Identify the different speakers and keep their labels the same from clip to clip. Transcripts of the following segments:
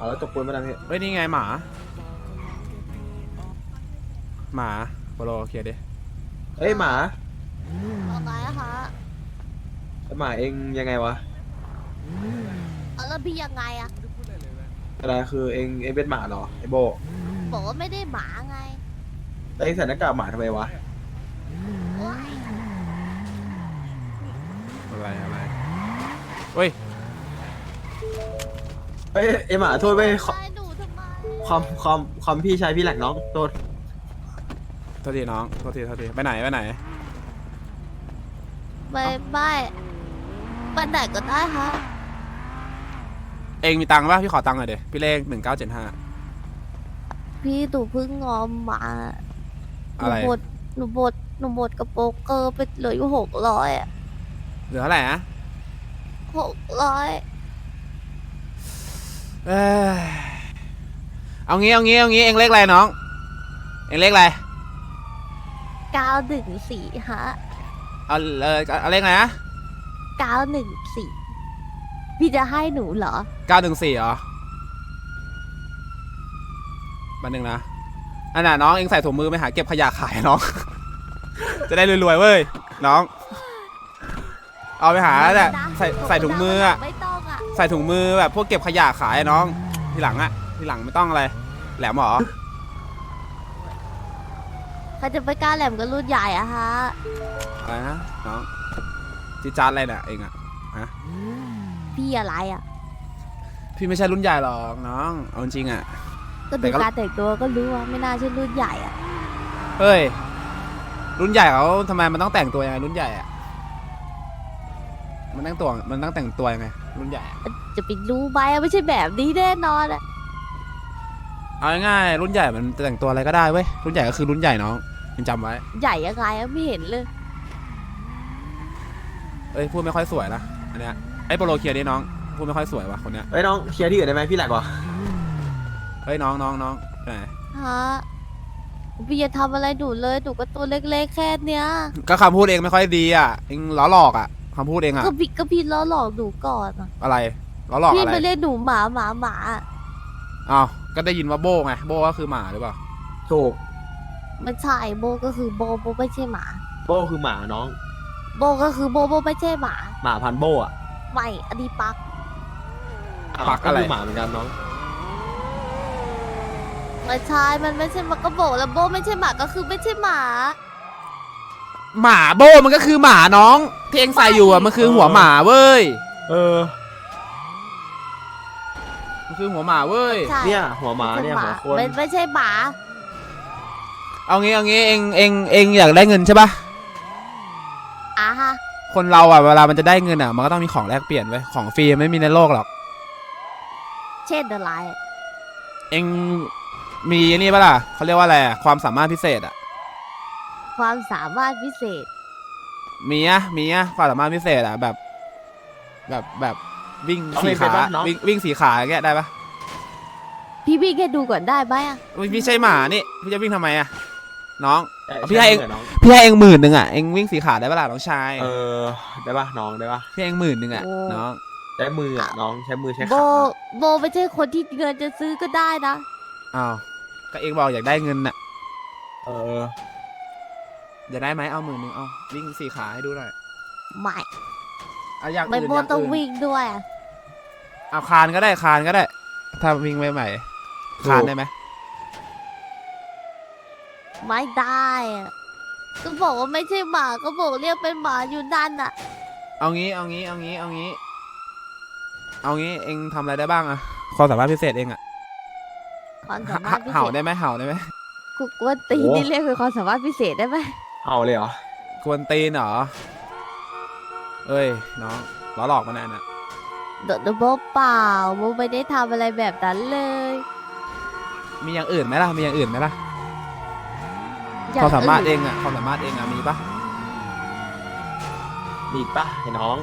Speaker 1: เอาแล้วจบปูนมาได้พี่
Speaker 2: เฮ้ยนี่ไงหมาโปโลเคลียร์ดิ
Speaker 1: เอ้ยหมา
Speaker 3: เอาไงอะคะ
Speaker 1: หมาเองยังไงวะ
Speaker 3: เอาแล้วพี่ยังไงอะ
Speaker 1: อะไรคือเองเป็นหมาเหรอไอโบ
Speaker 3: บอกว่าไม่ได้หมาไง
Speaker 1: แล้วเองใส่หน้ากากหมาทำไมวะ
Speaker 3: โอ๊ย
Speaker 2: อะไรเฮ้ย
Speaker 1: เอ้ยไอหมาโทษไป
Speaker 3: ทำไมหนูทำไม
Speaker 1: ความพี่ชายพี่แหลกน้องโทษ
Speaker 2: โทษทีน้องโทษทีไปไหน
Speaker 3: ไม่ไปไหนก็ได้ค่ะ
Speaker 2: เองมีตังค์ป่ะพี่ขอตังค์หน่อยดิพี่เลข1975
Speaker 3: พี่ตู่เพิ่งงอมมา
Speaker 2: อะไร
Speaker 3: หนูบดกับโป๊กเกอร์ไปเหลืออยู่600อะ
Speaker 2: เหลือเท่าไหร่นะ
Speaker 3: 600
Speaker 2: เอ้ยเอางี้เองเลขอะไรน้องเองเลขอะไร
Speaker 3: 914ฮะ
Speaker 2: เอาเลขอะไรนะ
Speaker 3: 914พี่จะให้หนูเหรอ
Speaker 2: 914เหรอมาหนึ่งนะอันน่ะน้องเองใส่ถุงมือไปหาเก็บขยะขายน้อง จะได้รวยๆเว้ยน้องเอาไปหาแหละใส่ถุงมืออะ
Speaker 3: ไม่ต้องอะ
Speaker 2: ใส่ถุงมือแบบพวกเก็บขยะขายน้องทีหลังไม่ต้องอะไรแหลมเหรอ
Speaker 3: ใครจะไปกล้าแหลมกับรุ่นใหญ่อะฮะ
Speaker 2: อะไรนะน้องจีจาร์อะไรเนี่ยเองอะฮะ
Speaker 3: พี่อะไรอะ
Speaker 2: พี่ไม่ใช่รุ่นใหญ่หรอกน้องเอาจริงอะ
Speaker 3: ก็
Speaker 2: แต่
Speaker 3: ดู
Speaker 2: ก็
Speaker 3: การแต่งตัวก็รู้ว่าไม่น่าใช่รุ่นใหญ่อะ
Speaker 2: เฮ้ยรุ่นใหญ่เขาทำไมมันต้องแต่งตัวยังไงรุ่นใหญ่อะมันต้องแต่งตัวยังไงรุ่นใหญ่อะ
Speaker 3: จะไปรู้ไหมอะไม่ใช่แบบนี้แน่นอนอะ
Speaker 2: เอาง่ายๆรุ่นใหญ่มันแต่งตัวอะไรก็ได้เว้ยรุ่นใหญ่ก็คือรุ่นใหญ่น้องจำไว้
Speaker 3: ใหญ่ยังไงอะไม่เห็นเลย
Speaker 2: เอ้ยพูดไม่ค่อยสวยนะอันเนี้ยไอ้โปโลเคลียร์ดิน้องพูดไม่ค่อยสวยว่ะคนเนี้ย
Speaker 1: เอ้ยน้องเคลียร์ที่อื่นได้ไหมพี่แหลกวะ
Speaker 2: เฮ้ยน้องไปไหน
Speaker 3: ฮะพี่อย่าทำอะไรหนูเลยหนูก็ตัวเล็กๆแค่เนี้ย
Speaker 2: ก็คำพูดเองไม่ค่อยดีอ่ะเองล้อหลอกอ่ะคำพูดเองอ่ะ
Speaker 3: ก็พี่ล้อหลอกหนูก่อนอะ
Speaker 2: อะไรล้อหลอก
Speaker 3: พี่
Speaker 2: อะไร
Speaker 3: มาเรียกหนูหมา
Speaker 2: อ้าวก็ได้ยินว่าโบ้ไงโบ้ก็คือหมาหรือเปล่า
Speaker 1: ถูก
Speaker 3: ไม่ใช่โบก็คือโบไม่ใช่หมา
Speaker 1: โบคือหมาน้อง
Speaker 3: โบก็คือโบไม่ใช่หมา
Speaker 1: หมาพันธุ์โบอ่ะ
Speaker 3: ไม่อันนี้ปัก
Speaker 2: ปักอะไร
Speaker 1: คือหมาเหมือนกันน้อง
Speaker 3: ไม่ใช่มันไม่ใช่หมาก็บอกแล้วโบไม่ใช่หมาก็คือไม่ใช่หมา
Speaker 2: หมาโบ้มันก็คือหมาน้องที่เองใส่อยู่อ่ะมันคือหัวหมาเว้ย
Speaker 1: เออ
Speaker 2: มันคือหัวหมาเว้ย
Speaker 3: ใช่
Speaker 1: เนี่ยหัวหมาเนี่ยหัวคน
Speaker 3: ไม่ใช่หมา
Speaker 2: เอางี้เองอยากได้เงินใช่ปะ
Speaker 3: อ่ะฮะ
Speaker 2: คนเราอ่ะเวลามันจะได้เงินอ่ะมันก็ต้องมีของแลกเปลี่ยนไว้ยของฟรีไม่มีในโลกหรอก
Speaker 3: เช่นอะไร
Speaker 2: เองมีนี่ปะล่ะเขาเรียกว่าอะไรอะความสามารถพิเศษอ่ะ
Speaker 3: ความสามารถพิเศษ
Speaker 2: มีอะความสามารถพิเศษอะแบบวิ่ง
Speaker 1: เอา
Speaker 2: สี่
Speaker 1: ไม่เป็น
Speaker 2: ขา
Speaker 1: ปะน้อง
Speaker 2: วิ่งสี่ขาอย่างเงี้ยได้ปะ
Speaker 3: พี่แค่ดูก่อนได้ไหมอ่ะ
Speaker 2: อุ๊ยพี่ใช่หมานี่พี่จะวิ่งทำไมอะน้อง
Speaker 1: ใช่
Speaker 2: พี่ให้เอง
Speaker 1: ใช่น้อง
Speaker 2: พี่ให้เอง10,000อะเองวิ่งสี่ขาได้ปะล่ะน้องชาย
Speaker 1: เออได้ปะน้องได้ปะ
Speaker 2: พี่ให้เอง10,000อะน้อง
Speaker 1: ใช้มืออ่ะน้องใช้มือใช้
Speaker 3: โบ
Speaker 1: ขา
Speaker 3: โบไม่ใช่คนที่เงินจะซื้อก็ได้นะ
Speaker 2: อ้าวก็เองบอกอยากได้เงินน่ะ
Speaker 1: เออ
Speaker 2: อยากได้ไหมเอา10,000เอาวิ่งสี่ขาให้ดูหน่อย
Speaker 3: ไม่
Speaker 2: เอาอย่าง
Speaker 3: ไม่
Speaker 2: อื่น
Speaker 3: โบ
Speaker 2: อย่าง
Speaker 3: ต้อง
Speaker 2: อื่น
Speaker 3: วิ่งด้วยอะ
Speaker 2: เอาคานก็ได้ถ้าวิ่งใหม่ๆคานได้ไหม
Speaker 3: ไม่ได้อะก็บอกว่าไม่ใช่หมาก็บอกเรียกเป็นหมาอยู่นั่นอ่ะ
Speaker 2: เอางี้เองทำอะไรได้บ้างอะความสามารถพิเศษเองอะ
Speaker 3: ความสามารถพิเศ
Speaker 2: เห่า
Speaker 3: ษ
Speaker 2: ได้ไหมเห่าได้ไหม
Speaker 3: กูกวนตีนนี่เรียกเป็นความสามารถพิเศษได้ไหม
Speaker 1: เอาเลยเหรอก
Speaker 2: วนตีนเหรอเอ้ยน้องล้อหลอกมานานอะ
Speaker 3: โดนโบเปล่าโบไม่ได้ทำอะไรแบบนั้นเลย
Speaker 2: มีอย่างอื่นไหมล่ะ
Speaker 3: อย่ง
Speaker 2: ความสามารถ
Speaker 3: น
Speaker 2: เองอะความสามารถเองอะมีปะ
Speaker 1: มีอีกปะไอ้น้อง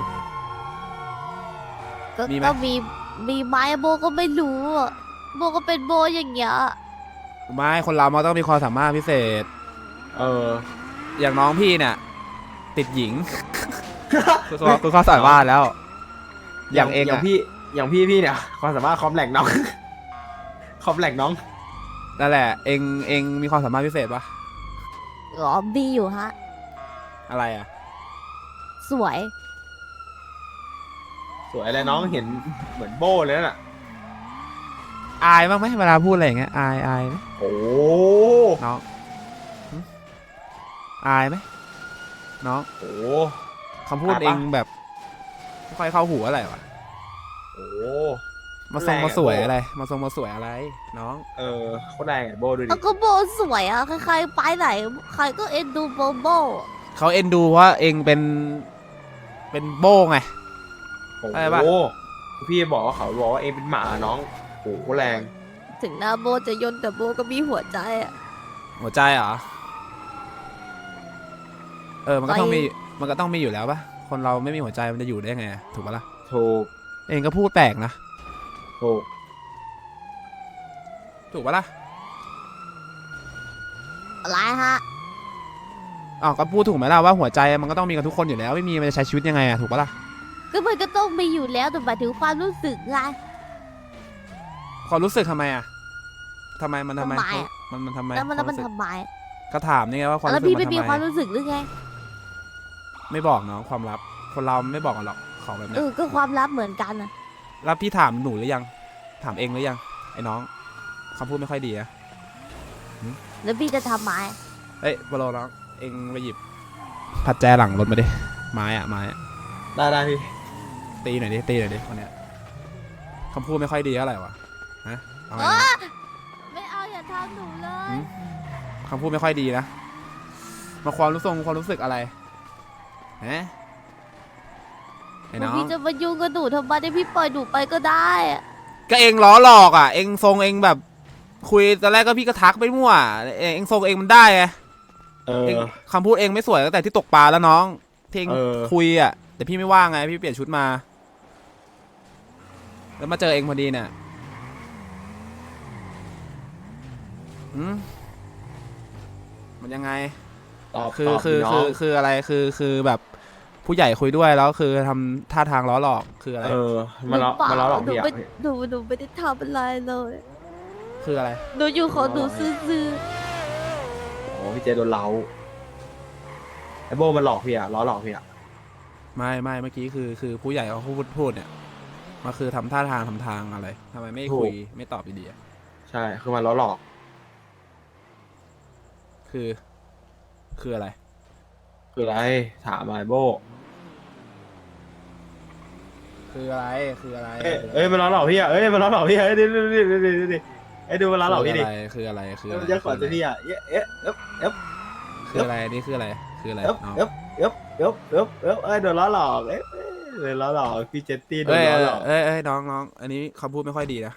Speaker 3: ก็มีไหมโบก็ไม่รู้อะโบก็เป็นโบอย่างเงี้ย
Speaker 2: ไม่คนเรามันต้องมีความสามารถพิเศษ
Speaker 1: เออ
Speaker 2: อย่างน้องพี่เนี่ยติดหญิง คือความสามารถแล้ว อย่างเอง
Speaker 1: อย่าง
Speaker 2: อะ
Speaker 1: พี่เนี่ยความสามารถคอมแหลกน้องคอมแหลกน้อง
Speaker 2: นั่นแหละเองมีความสามารถพิเศษปะ
Speaker 3: อ๋อมีอยู่ฮะ
Speaker 2: อะไรอ่ะ
Speaker 3: สวย
Speaker 1: สวยเลยน้องเห็นเหมือนโบ้เลยน่ะ
Speaker 2: อายบ้างไหมเวลาพูดอะไรอย่างเงี้ยอายไหม
Speaker 1: โอ้
Speaker 2: น้องหึอายไหมน้อง
Speaker 1: โห
Speaker 2: คำพูด
Speaker 1: อายปะ
Speaker 2: เองแบบไม่ค่อยเข้าหูอะไรวะ
Speaker 1: โอ้
Speaker 2: มาทรง
Speaker 1: แรงอะ
Speaker 2: มาสวย
Speaker 1: โบ้
Speaker 2: อะไร มาทรงมาสวยอะไร น้อง
Speaker 1: โคตรแรงอะโบ้ดูดิ
Speaker 3: แล้วก็โบสวยอ่ะ ใครๆไปไหน ใครก็เอ็นดูโบโบ
Speaker 2: เขาเอ็นดูว่าเองเป็นโบ้ไง
Speaker 1: โอ้
Speaker 2: อะไรปะ
Speaker 1: โหพี่บอกว่าเขาบอกว่าเองเป็นหมาน้องโอ้โหแรง
Speaker 3: ถึงหน้าโบจะยนแต่โบก็มีหัวใจอ่ะ
Speaker 2: หัวใจเหรอมันก็ต้องมีมันก็ต้องมีอยู่แล้วปะคนเราไม่มีหัวใจมันจะอยู่ได้ไงถูกปะล่ะ
Speaker 1: ถูก
Speaker 2: เองก็พูดแปลกนะ
Speaker 1: ถูก
Speaker 2: ถูกปะล่ะ
Speaker 3: อะไรฮะ
Speaker 2: อ้าวก็พูดถูกไหมล่ะว่าหัวใจมันก็ต้องมีกันทุกคนอยู่แล้วไม่มีมันจะใช้ชีวิตยังไงอะถูกปะล่ะ
Speaker 3: ก็มันก็ต้องมีอยู่แล้วแต่หมายถึงความรู้สึกไง
Speaker 2: ความรู้สึกทำไมอะทำไมมันทำไม
Speaker 3: ทำไมอะ
Speaker 2: มันทำไม
Speaker 3: แล้วมัน
Speaker 2: ความรู้สึก
Speaker 3: ทำไม
Speaker 2: ก็ถามนี่ไงว่าความ
Speaker 3: แล้ว
Speaker 2: รู้สึ
Speaker 3: พี่
Speaker 2: ก
Speaker 3: ไม่
Speaker 2: มัน
Speaker 3: มี
Speaker 2: ทำ
Speaker 3: ความ
Speaker 2: ไม
Speaker 3: รู้สึกหรือไง
Speaker 2: ไม่บอกน้องความลับ คนเราไม่บอกกันหรอกของแบบเนี้ย
Speaker 3: ก็ความลับเหมือนกันนะ
Speaker 2: แล้วพี่ถามหนูหรือยังถามเองหรือยังไอ้น้องคำพูดไม่ค่อยดีอะ
Speaker 3: แล้วพี่จะทำไม
Speaker 2: เอ้ยบอลน้องเองไปหยิบผัดแจหลังรถมาดิไม้อะ
Speaker 1: ได้พี่
Speaker 2: ตีหน่อยดิคนเนี้ยคำพูดไม่ค่อยดีเท่าไหร่วะฮะเอาไง
Speaker 3: เอ
Speaker 2: นะ
Speaker 3: อไม่เอาอย่าทำหนูเลย
Speaker 2: หืม คำพูดไม่ค่อยดีนะมาความรู้สึกอะไรฮะไอ้น้อง
Speaker 3: พี่จะมายุ่งกับหนูทำไมได้พี่ปล่อยหนูไปก็ได้อะ
Speaker 2: ก็เองล้อหลอกอ่ะเองทรงเองแบบคุยตอนแรกก็พี่ก็ทักไปมั่วเองทรงเองมันได้ไงเองคำพูดเองไม่สวยตั้งแต่ที่ตกปลาแล้วน้องที่เองคุยอ่ะแต่พี่ไม่ว่างไงพี่เปลี่ยนชุดมาแล้วมาเจอเองพอดีเนี่ยมันยังไง
Speaker 1: ตอบ
Speaker 2: คือ
Speaker 1: ตอบ
Speaker 2: คือ
Speaker 1: น้
Speaker 2: คื
Speaker 1: อง
Speaker 2: อคืออะไรคือแบบผู้ใหญ่คุยด้วยแล้วคือทำท่าทางล้อหลอกคืออะไร
Speaker 1: มาล้อ
Speaker 3: เปล่
Speaker 1: มาล้อหลอก
Speaker 3: หนู
Speaker 1: พี่อะ
Speaker 3: ไม่หนูไม่ได้ทำอะไรเลย
Speaker 2: คืออะไร
Speaker 3: หนูอยู่ของหนูซื่อ
Speaker 1: โอ้พี่เจโดนเล้าไอโบ้มันหลอกพี่อะล้อหลอกพี่อะ
Speaker 2: ไม่เมื่อกี้คือผู้ใหญ่เขาพูดเนี่ยมันคือทำท่าทางทำทางอะไรทำไมไม่คุยไม่ตอบดีๆอะ
Speaker 1: ใช่คือมันล้อหลอก
Speaker 2: คืออะไร
Speaker 1: คืออะไรถามมาไอโบ้
Speaker 2: คืออะไรคืออะไร
Speaker 1: เอ้ยมันล้อหลอกพี่อะเอ้ยมันล้อหลอกพี่อะเอ้ยดูไอ้ดูมันล้อหลอกพี่ดิ
Speaker 2: คืออะไรคือ
Speaker 1: เอ้
Speaker 2: อะ
Speaker 1: ย
Speaker 2: ไร
Speaker 1: มันจะขอจะพี่อะเอ๊ะ
Speaker 2: คืออะไรนี่คืออะไรคืออะไร
Speaker 1: เอ๊ะ
Speaker 2: น้อง
Speaker 1: เอ้ยโดนล้อหลอกเอ้ยโดนล้อหลอกพี่เจตตี้โดน
Speaker 2: เอ้ย
Speaker 1: ล้อหลอก
Speaker 2: เอ้ยน้องอันนี้คำพูดไม่ค่อยดีนะ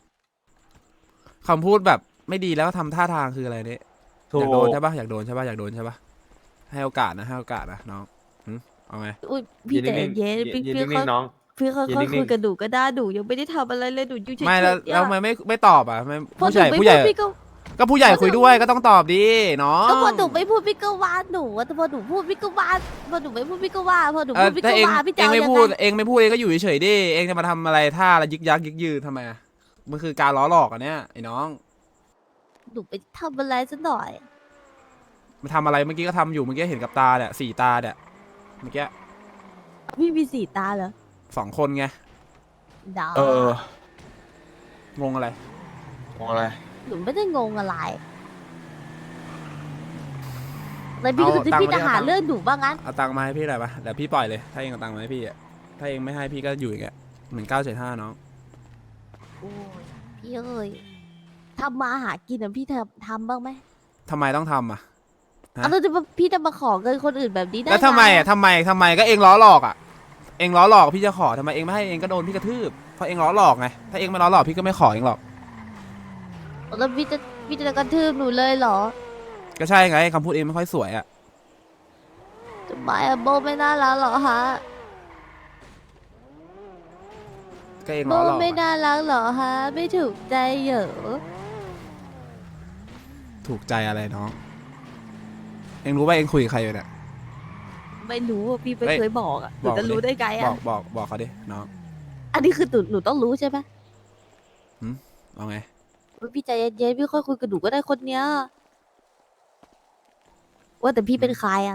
Speaker 2: คำพูดแบบไม่ดีแล้วก็ทำท่าทางคืออะไรเนี่ย
Speaker 1: ถู
Speaker 2: อก ยากโดนใช่ปะอยากโดนใช่ปะให้โอกาสนะน้องเอาไง
Speaker 3: ๆอุ้ยพี่ใจเย็นพี่
Speaker 1: ยืน
Speaker 3: พี่
Speaker 1: นิ่งๆน้อง
Speaker 3: พี่ค่
Speaker 1: ยืน
Speaker 3: อย
Speaker 1: นิ่
Speaker 3: ๆ
Speaker 1: งๆ
Speaker 3: คุยกับหนูก็ได้หนูยังไม่ได้ทำอะไรเลยหนูอยู่เฉยๆ
Speaker 2: ไม่แล้ว
Speaker 3: เนี่ย
Speaker 2: แล้วทำไมไม่ตอบอ่ะไม่
Speaker 3: พอ
Speaker 2: ผู้
Speaker 3: ห
Speaker 2: ให
Speaker 3: นู
Speaker 2: ญ่
Speaker 3: ไม่
Speaker 2: ผู้ใหญ่
Speaker 3: พูดพี่ก็
Speaker 2: ก็ผู้ใหญ่คุยด้วยก็ต้องตอบดิน้อง
Speaker 3: ก็พอหนูไม่พูดพี่ก็ว่าหนูแต่พอหนูพูดพี่ก็ว่าพอหนูไม่พูดพี่ก็ว่าพอหนูพูดพี่
Speaker 2: ถ้า
Speaker 3: ก็
Speaker 2: เอง
Speaker 3: ว่าพี่จะ
Speaker 2: เอง
Speaker 3: เอา
Speaker 2: ไม่
Speaker 3: ยัง
Speaker 2: พูด
Speaker 3: ไง
Speaker 2: เองไม่พูดเองก็อยู่เฉยๆดิเองจะมาทำอะไรท่าละยึกยักยึกยือทำไมอะมันคือการล้อหลอกอันเนี้ยไอ้น้อง
Speaker 3: หนูไปทำอะไรซะหน่อย
Speaker 2: มันทำอะไรเมื่อกี้ก็ทำอยู่เมื่อกี้เห็นกับตาเนี่ย4 ตาเนี่ยเมื่อกี้
Speaker 3: พี่มี4 ตาเหรอ
Speaker 2: 2 คนไง
Speaker 3: ดาว
Speaker 2: งงอะไร
Speaker 1: มองอะไร
Speaker 3: หนูไม่ได้งงอะไรแล้วพี่ก็คือพี่จะหาเรื่องหนูบ้างงั้น
Speaker 2: เอาตังค์มาให้พี่หน่อยปะเดี๋ยวพี่ปล่อยเลยถ้าเองเอาตังค์มาให้พี่อะถ้าเองไม่ให้พี่ก็อยู่อย่างเงี้ย1975น้อง
Speaker 3: โอ้ยพี่เอ้ยทำมาหากินอะพี่ทำบ้างไหม
Speaker 2: ทำไมต้องทำอะ ฮะ
Speaker 3: แล้วพี่จะมาขอเงินคนอื่นแบบนี้ได้
Speaker 2: แล้วทำไม
Speaker 3: ง
Speaker 2: อะทำไมก็เองล้อหลอกอะเองล้อหลอกพี่จะขอทำไมเองไม่ให้เองก็โดนพี่กระทืบเพราะเองล้อหลอกไงถ้าเองไม่ล้อหลอกพี่ก็ไม่ขอเองหรอก
Speaker 3: แล้วพี่จะกระทืบหนูเลยเหรอ
Speaker 2: ก็ใช่ไงคำพูดเองไม่ค่อยสวยอะ
Speaker 3: ทำไมอะโบไม่น่ารักเหรอฮะ
Speaker 2: ก็เอง
Speaker 3: โบ
Speaker 2: ล้อหลอก
Speaker 3: ไม่
Speaker 2: อะ
Speaker 3: น่ารักเหรอฮะไม่ถูกใจเหรอ
Speaker 2: ถูกใจอะไรน้อง เองรู้ว่าเองคุยกับใครอยู่เนี่ย
Speaker 3: ไม่รู้อะพี่ไม่
Speaker 2: เฮ้ย
Speaker 3: เคยบอกอะหนู
Speaker 2: บอก
Speaker 3: จะ
Speaker 2: ดิ
Speaker 3: รู้ได้ไง
Speaker 2: บ
Speaker 3: อะ
Speaker 2: อกเขาดิน้อง
Speaker 3: อันนี้คือหนูต้องรู้ใช่ไหม
Speaker 2: เอาไง
Speaker 3: พี่ใจเย็นๆพี่ค่อยคุยกับหนูก็ได้คนเนี้ยว่าแต่พี่เป็นใครอะ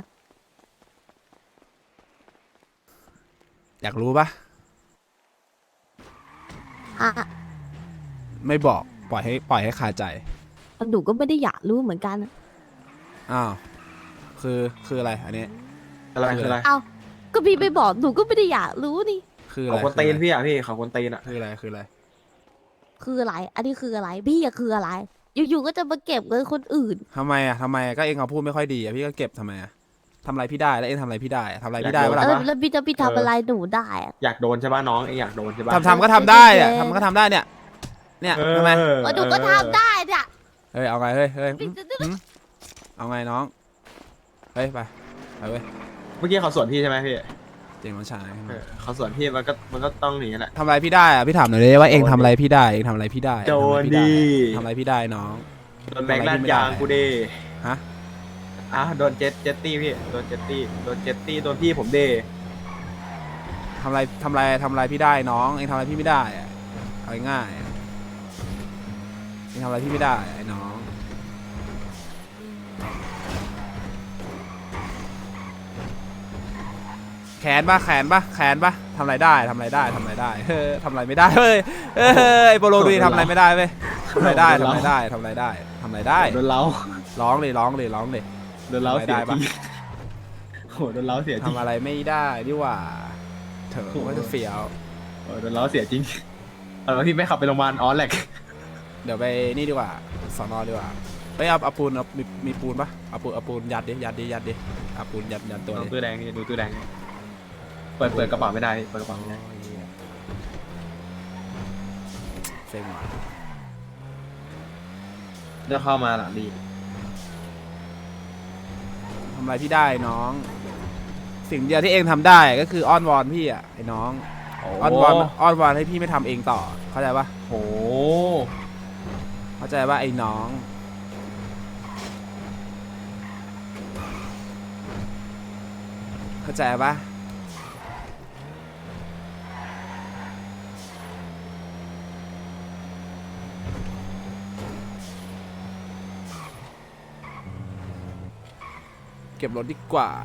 Speaker 2: อยากรู้ปะ
Speaker 3: อ่ะ
Speaker 2: ไม่บอกปล่อยให้คาใจ
Speaker 3: หนูก็ไม่ได้อยากรู้เหมือนกัน
Speaker 2: อ้าวคืออะไรอันนี้
Speaker 1: อะไรคืออะไร
Speaker 3: เอ้าก็พี่ไม่บอกหนูก็ไม่ได้อยากรู้นี่
Speaker 2: คืออะ
Speaker 1: เขา
Speaker 2: ไร
Speaker 1: คนตีนพี่อ่ะพี่เขาคนตีนอ่ะ
Speaker 2: คืออะไรคืออะไร
Speaker 3: คืออะไร อันนี้คืออะไรพี่อะคืออะไร อยู่ๆก็จะมาเก็บเงินคนอื่น
Speaker 2: ทำไมก็เองเขาพูดไม่ค่อยดีอะพี่ก็เก็บทำไมอะทำอะไรพี่ได้แล้วเองทำอะไรพี่ได้อะทำอะไรพี่ได้
Speaker 1: อยาก
Speaker 2: เว
Speaker 1: โด
Speaker 2: ลา
Speaker 1: น
Speaker 3: แล้วพี่ทำอะไรหนูได้อะ
Speaker 1: อยากโดนใช่ป่ะน้องเองอยากโดนใช่ป่ะ
Speaker 2: ทำก็ทำได้อะทำก็ทำได้เนี่ยทำไม
Speaker 3: หนูก็ทำได้เนี่ย
Speaker 2: เฮ้ยเอาไงเฮ้ย
Speaker 3: พี่จะ
Speaker 2: เอาไงน้องเฮ้ยไปเว้ย
Speaker 1: เมื่อกี้เขาสวนพี่ใช่ไหมพี่
Speaker 2: เจ๋งน้องชาย
Speaker 1: เขาสวนพี่มันก็ต้องหนีแหละ
Speaker 2: ทำอะไรพี่ได้อะพี่ถามหน่อยเลยว่าเองทำอะไรพี่ได้เองทำอะไรพี่ได้
Speaker 1: โดนดิ
Speaker 2: ทำอะไรพี่ได้น้อง
Speaker 1: โดนแบงค์ลาดยางกูดิ
Speaker 2: ฮะ
Speaker 1: โดนเจ็ตตี้พี่โดนเจ็ตตี้โดนพี่ผมเด
Speaker 2: ทำอะไรพี่ได้น้องเองทำอะไรพี่ไม่ได้อะเอาง่ายๆอะเองทำอะไรพี่ไม่ได้ไอ้น้องแขนปะทำอะไรได้ทำอะไรได้ทำอะไรได้ทำอะไรไม่ได้เฮ้ยไอ้โปโลดูดิทำอะไรไม่ได้เว้ยทำอะไรได้ทำอะไรได้ทำอะไรได้
Speaker 1: โดนเล้า
Speaker 2: ร้องเลย
Speaker 1: โดนเล้า
Speaker 2: ทำอะไร
Speaker 1: เสี
Speaker 2: ได้
Speaker 1: ย
Speaker 2: ปะ
Speaker 1: ทีโหโดนเล้าเสียจริง
Speaker 2: ทำอะไรไม่ได้ดีกว่าเถอะ
Speaker 1: โอ้โห
Speaker 2: ว่าจะเฟี้ยว
Speaker 1: โดนเล้าเสียจริงแล้วพี่ไม่ขับไปโรงพยาบาลอ๋อแหลก
Speaker 2: เดี๋ยวไปนี่ดีกว่าสอนอดีกว่าไปเอาปูนมีปูนปะเอาปูนยัดดิเอาปูนยัดตัว
Speaker 1: ดู
Speaker 2: ดิ
Speaker 1: ตู้แดงนี่ดูตู้แดงนี่เปิดกระเป๋าไม่ได้เปิดกระเป๋าไม่ได้
Speaker 2: โอ้ยเหี้ยเซ็งว่ะ
Speaker 1: จะเข้ามาหลังดี
Speaker 2: ทำอะไรพี่ได้น้อง สิ่งเดียวที่เองทำได้ก็คืออ้อนวอนพี่อ่ะไอ้น้องอ้อนวอนให้พี่ไม่ทำเองต่อเข้าใจปะ
Speaker 1: โห
Speaker 2: เข้าใจปะไอ้น้องเข้าใจปะเก็บรถดีกว่า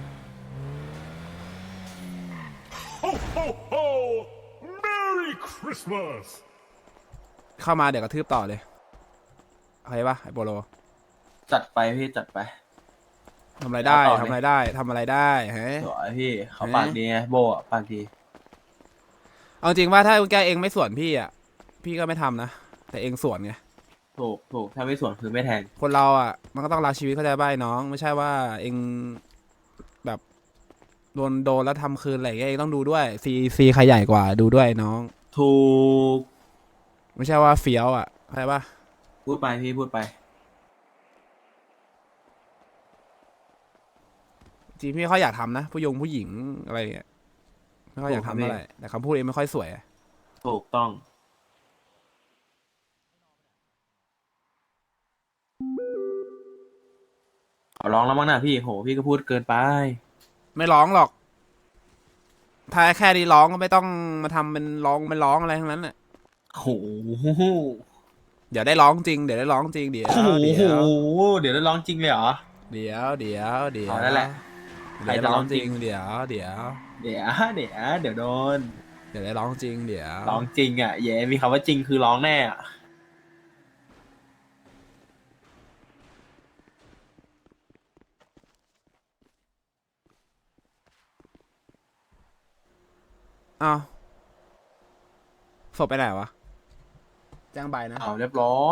Speaker 4: Ho, ho, ho! Merry Christmas!
Speaker 2: เข้ามาเดี๋ยวกระทืบต่อเลยโอเคปะไอโปโล
Speaker 1: จัดไปพี่จัดไป
Speaker 2: ทำอะไรได้
Speaker 1: เอาต่อเลย
Speaker 2: ทำอะไรได้ฮะ
Speaker 1: สวยพี่เขาปากดีไงโบอ่ะปากดี
Speaker 2: เอาจริงว่าถ้าแกเองไม่สวนพี่อ่ะพี่ก็ไม่ทำนะแต่เองสวนไง
Speaker 1: ถูกถ้าไม่สวนคือไม่แทง
Speaker 2: คนเราอ่ะมันก็ต้องรักชีวิตเข้าใจป่ะไอ้น้อง ไม่ใช่ว่าเองแบบโดนแล้วทำคืนอะไรอย่างเงี้ยเองต้องดูด้วยซีใครใหญ่กว่าดูด้วยไอ้น้อง
Speaker 1: ถูก
Speaker 2: ไม่ใช่ว่าเฟี้ยวอ่ะเข้าใจป่ะ
Speaker 1: พูดไปพี่พูดไป
Speaker 2: จริงพี่ไม่ค่อยอยากทำนะผู้หญิงอะไรอย่างเงี้ยไม่ค่อยอยากทำ
Speaker 1: ถูกครับ
Speaker 2: เท่าไหร่แต่คำพูดเองไม่ค่อยสวยอะ
Speaker 1: ถูกต้องขอร้องแล้วมั้งนะพี่โหพี่ก็พูดเกินไป
Speaker 2: ไม่ร้องหรอกถ้าแค่นี้ร้องก็ไม่ต้องมาทำเป็นร้องอะไรทั้งนั้นแหละ
Speaker 1: โห
Speaker 2: เดี๋ยวได้ร้องจริงเดี๋ยวได้ร้องจริงเดี๋ยว
Speaker 1: โอ้โห
Speaker 2: เดี๋ยว
Speaker 1: เดี๋ยวได้ร้องจริงเลยเหรอ
Speaker 2: เดี๋ยว
Speaker 1: เอานั่นแหละ
Speaker 2: เดี๋ยวได้ร้องจริงเดี๋ยว
Speaker 1: เดี๋ยวโดน
Speaker 2: เดี๋ยวได้ร้องจริงเดี๋ยว
Speaker 1: ร้องจริงอ่ะเย้มีคำว่าจริงคือร้องแน่อ่ะ
Speaker 2: อ้าวศพไปไหนวะแจ้งใบนะ
Speaker 1: เอาเรียบร้อย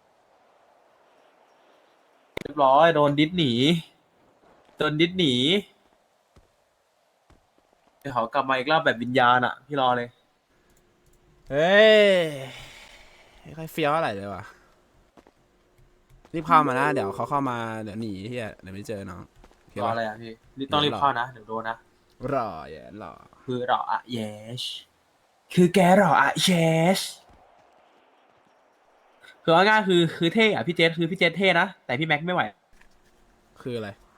Speaker 1: โดนดิสหนีเดี๋ยวเขากลับมาอีกรอบแบบวิญญาณอ่ะพี่รอเลย
Speaker 2: เฮ้ยไม่ค่อยเฟี้ยวอะไรเลยวะรีบเข้ามานะเดี๋ยวเขาเข้ามาเดี๋ยวหนีเฮียเดี๋ยวไม่เจอน้องโอเค
Speaker 1: รอ
Speaker 2: ปะ
Speaker 1: อะไรอ่ะพี่นี่ต้องรีบเข้านะเดี๋ยวโดนนะ
Speaker 2: รออย่ารอ
Speaker 1: คือรออะเยชคือแกรออะเยชคือว่าง่ายคือเท่อะพี่เจษคือพี่เจษเท่นะแต่พี่แม็กไม่ไหว
Speaker 2: คืออะไร